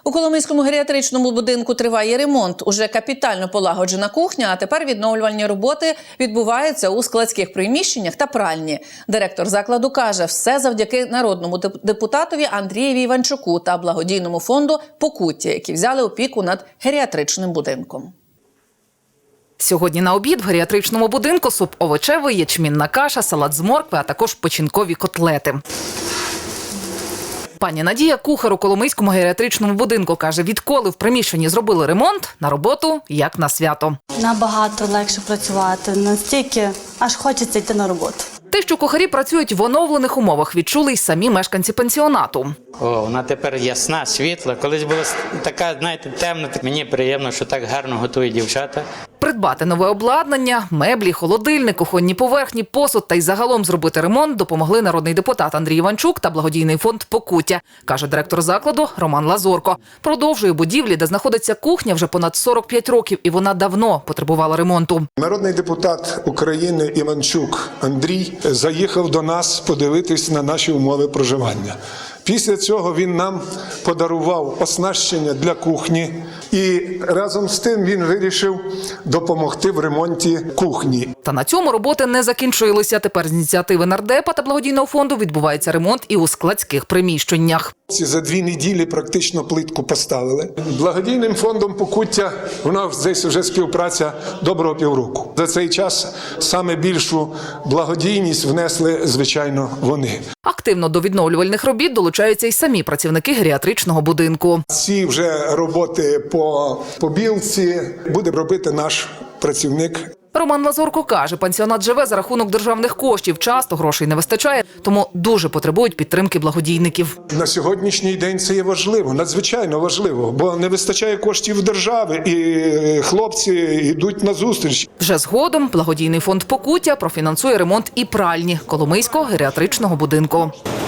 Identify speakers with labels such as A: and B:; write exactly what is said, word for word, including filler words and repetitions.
A: У Коломийському геріатричному будинку триває ремонт. Уже капітально полагоджена кухня, а тепер відновлювальні роботи відбуваються у складських приміщеннях та пральні. Директор закладу каже, все завдяки народному депутатові Андрієві Іванчуку та благодійному фонду «Покуття», які взяли опіку над геріатричним будинком.
B: Сьогодні на обід в геріатричному будинку суп овочевий, ячмінна каша, салат з моркви, а також печінкові котлети. Пані Надія, кухар у Коломийському геріатричному будинку, каже, відколи в приміщенні зробили ремонт, на роботу як на свято.
C: Набагато легше працювати, настільки аж хочеться йти на роботу.
B: Те, що кухарі працюють в оновлених умовах, відчули й самі мешканці пансіонату.
D: О, вона тепер ясна, світла. Колись була така, знаєте, темна. Мені приємно, що так гарно готують дівчата.
B: Придбати нове обладнання, меблі, холодильник, кухонні поверхні, посуд та й загалом зробити ремонт допомогли народний депутат Андрій Іванчук та благодійний фонд «Покуття», каже директор закладу Роман Лазорко. Продовжує будівлі, де знаходиться кухня, вже понад сорок п'ять років, і вона давно потребувала ремонту.
E: Народний депутат України Іванчук Андрій заїхав до нас подивитись на наші умови проживання. Після цього він нам подарував оснащення для кухні і разом з тим він вирішив допомогти в ремонті кухні.
B: Та на цьому роботи не закінчилися. Тепер з ініціативи нардепа та благодійного фонду відбувається ремонт і у складських приміщеннях.
E: За дві неділі практично плитку поставили. Благодійним фондом «Покуття» у нас десь вже співпраця доброго півроку. За цей час саме більшу благодійність внесли, звичайно, вони.
B: Активно до відновлювальних робіт долучаються й самі працівники геріатричного будинку.
E: Ці вже роботи по побілці буде робити наш працівник.
B: Роман Лазорко каже, пансіонат живе за рахунок державних коштів. Часто грошей не вистачає, тому дуже потребують підтримки благодійників.
E: На сьогоднішній день це є важливо, надзвичайно важливо, бо не вистачає коштів держави і хлопці йдуть на зустріч.
B: Вже згодом благодійний фонд «Покуття» профінансує ремонт і пральні Коломийського геріатричного будинку.